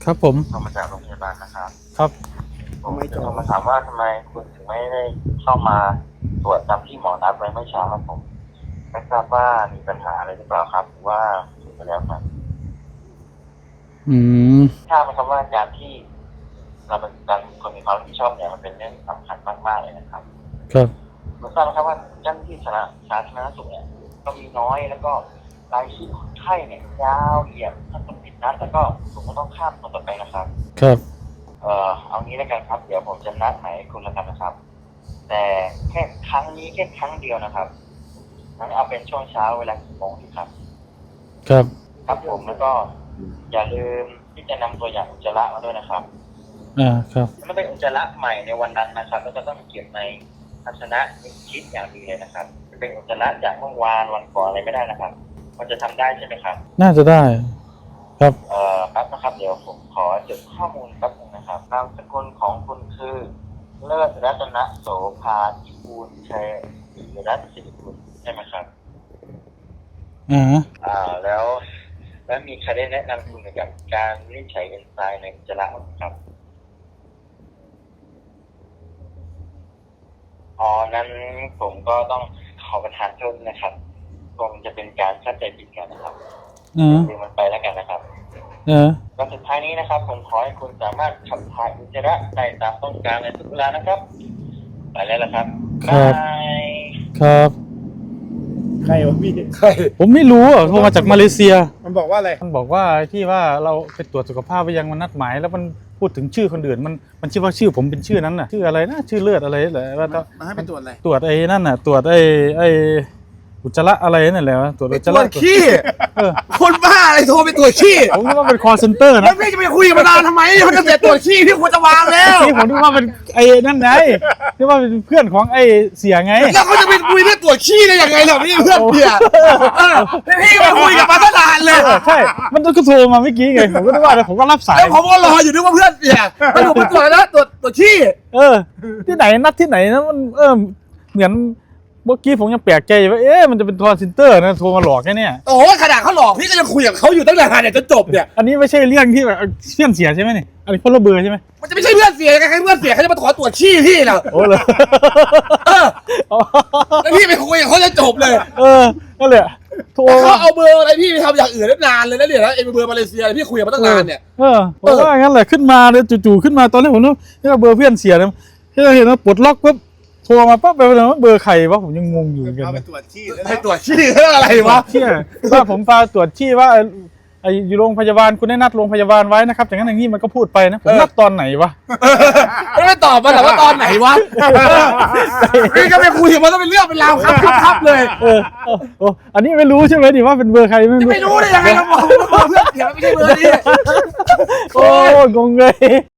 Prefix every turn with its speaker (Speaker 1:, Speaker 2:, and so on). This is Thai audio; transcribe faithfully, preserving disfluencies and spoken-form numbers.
Speaker 1: ครับผม
Speaker 2: โทรมาจากโรงพยาบาลนะครับ
Speaker 1: ครับ
Speaker 2: ผมจะโทรมาถามว่าทำไมคุณถึงไม่ได้เข้ามาตรวจตามที่หมอนัดไว้เมื่อเช้าครับผมไม่ทราบว่ามีปัญหาอะไรหรือเปล่าครับหรือว่าถึงไปแล้วครับ
Speaker 1: อืม
Speaker 2: ทราบไหมครับว่าการที่เราเป็นการคนมีความรับผิดชอบเนี่ยมันเป็นเรื่องสำคัญมากๆเลยนะครับ
Speaker 1: ครับ
Speaker 2: คุณทราบไหมครับว่าเจ้าหน้าที่สาธารณสุขเนี่ยก็มีน้อยแล้วก็รายชื่อคนไข้เนี่ยยาวเหยียดถ้าต้องผิดนัดแล้วก็ผมก็ต้องข้ามคนต่อไปนะครับ
Speaker 1: ครับ
Speaker 2: เอ่อเอางี้แล้วกันครับเดี๋ยวผมจะนัดหมายคุณแล้วกันนะครับแต่แค่ครั้งนี้แค่ครั้งเดียวนะครับงั้นเอาเป็นช่วงเช้าเวลากี่โมงดีครับ
Speaker 1: ครับ
Speaker 2: ครับผมแล้วก็อย่าลืมที่จะนำตัวอย่างอุจจาระมาด้วยนะครับ
Speaker 1: อ่าครับ
Speaker 2: มันเป็นอุจจาระใหม่ในวันนั้นนะครับแล้วก็ต้องเก็บในภาชนะชิดอย่างดีเลยนะครับเป็นอุจจาระจากเมื่อวานวันก่อนอะไรไม่ได้นะครับมันจะทำได้ใช่ไหมครับ
Speaker 1: น่าจะได้ครับ
Speaker 2: เอ่อครับนะครับเดี๋ยวผมขอจดข้อมูลแป๊บนึงนะครับนามสกุลของคุณคือเลิศรัตนโสภาอิบูลชัยศรีรัตน์สิริกุลใช่ไหมครับ
Speaker 1: อ่า
Speaker 2: อ่าแล้วแล้วมีใครได้แนะนำคุณเกี่ยวกับการวินิจฉัยเอนไซม์ในอุจจาระบ้างครับอ๋อนั้นผมก็ต้องขอประทานโทษนะครับคงจะเป็นการเข้าใจผิดกันนะครับ
Speaker 1: อ่า
Speaker 2: ดูมันไปแล้วกันนะครับ
Speaker 1: เออ
Speaker 2: วันสุดท้ายนี้นะครับผมขอให้คุณสามารถขับถ่ายอุจจาระได้ตามต้องการในทุกเวลานะครับไปแล้วละครับ
Speaker 1: ครับ
Speaker 2: บาย
Speaker 1: ครับ
Speaker 3: ใครวะพี่ใคร
Speaker 1: ผมไม่รู้อ่ะโทรมาจากมาเลเซีย
Speaker 3: มันบอกว่าอะไร
Speaker 1: มันบอกว่าที่ว่าเราไปตรวจสุขภาพไปยังมันนัดหมายแล้วมันพูดถึงชื่อคนอื่นมันมันชื่อว่าชื่อผมเป็นชื่อนั้นน่ะชื่ออะไรนะชื่อเลือดอะไรแหละว่า
Speaker 3: มาให้ไปตรวจอะไร
Speaker 1: ตรวจไอ้นั่นน่ะตรวจไอ้ไอ้อุจจาระอะไรนั่นแหละตรวจอุจจา
Speaker 3: ตร
Speaker 1: ระ
Speaker 3: วจขี้
Speaker 1: เออ
Speaker 3: คนบ้าอะไรโทรไปตรวจขี้
Speaker 1: ผมคิดว่าเป็นคอเซ็นเตอร์
Speaker 3: แล้
Speaker 1: นะ
Speaker 3: วพี่จะไปคุยกับมานานทำไมมันจะเสร็จตรวจขี้ที่ควรจะวางแล้ว
Speaker 1: นี่ผมนึกว่าเป็นไอ้นั่นไงนึกว่าเป็นเพื่อนของไอ้เสียไง
Speaker 3: แล้วเขาจะไปคุยเรื่องตรวจขี้ได้ยังไงล่ะพี่เพื่อนเพี่ยพี่ไปคุยกับมาตั้งนานเลย
Speaker 1: ใช่ มันก็โทรมาเมื่อกี้ไง ผมก็นึกว่าผมก็รับสาย
Speaker 3: แล้วผมก็รออยู่นึกว่าเพื่อนเพี่ยแล้วผมไปตรวจแล้วตรวจตรวจขี้
Speaker 1: เออ ที่ไหนนัดที่ไหนนะมันเออเหมือนเมื่อกี้ผมยังแปลกใจว่าเอ๊ะมันจะเป็นคอลเซ็นเตอร์นะโทรมาหลอกแค่เนี่ย
Speaker 3: โอ้ขนาดเขาหลอกพี่ก็ยังคุยกับเขาอยู่ตั้งนานเนี่ยจนจบเนี่ย
Speaker 1: อันนี้ไม่ใช่เรื่องที่แบบเพื่อนเสียใช่ไหมนี่อันนี้คนละเบอร์ใช่ไหม
Speaker 3: มันจะไม่ใช่เพื่อนเสียยังไงเพื่อนเสียเขาจะมาขอตรวจขี้พี่เหรอ
Speaker 1: โอ้เลย
Speaker 3: แล้วพี่ไปคุยกับเขาจะจบเลย
Speaker 1: เออนั่นแหละโทร
Speaker 3: เขาเอาเบอร์อะไรพี่ไปทำอย่างอื่นได้นานเลยนะเนี่ยแล้วเอ็มเบอร์มาเลเซียพี่คุยกับมาตั้งนานเนี่ย
Speaker 1: เออผมว่างั้นแหละขึ้นมาเลยจู่ๆขึ้นมาตอนแรกผมนึกว่าเบอร์เพื่อนเสียนะที่เราเห็นว่าปลดล็อกปุ๊บโทรมาปั๊บไปเลยว่าเบอร์ใครวะผมยังงงอยู่เหมือนกัน
Speaker 3: เอาไปตรวจขี้ไปตรวจขี้เรื่องอะไรวะ
Speaker 1: เชี่ยว่าผมพาตรวจที่ว่าไอ้อยู่โรงพยาบาลคุณได้นัดโรงพยาบาลไว้นะครับอย่างนั้นอย่างนี้มันก็พูดไปนะผมนัดตอนไหนวะ
Speaker 3: ไม่ได้ตอบมาแต่ว่าตอนไหนวะพี่ก็ไปคุยมันต้องเป็นเรื่องเป็นราวครับครับครับเลย
Speaker 1: เออโอ้อันนี้ไม่รู้ใช่ไหมดิว่าเป็นเบอร์ใครไม่รู้
Speaker 3: ไม่รู้ได้ยังไงเราบอกเพื่อนเสียไม่ใช่เบอร์นี้
Speaker 1: โอ้งงเลย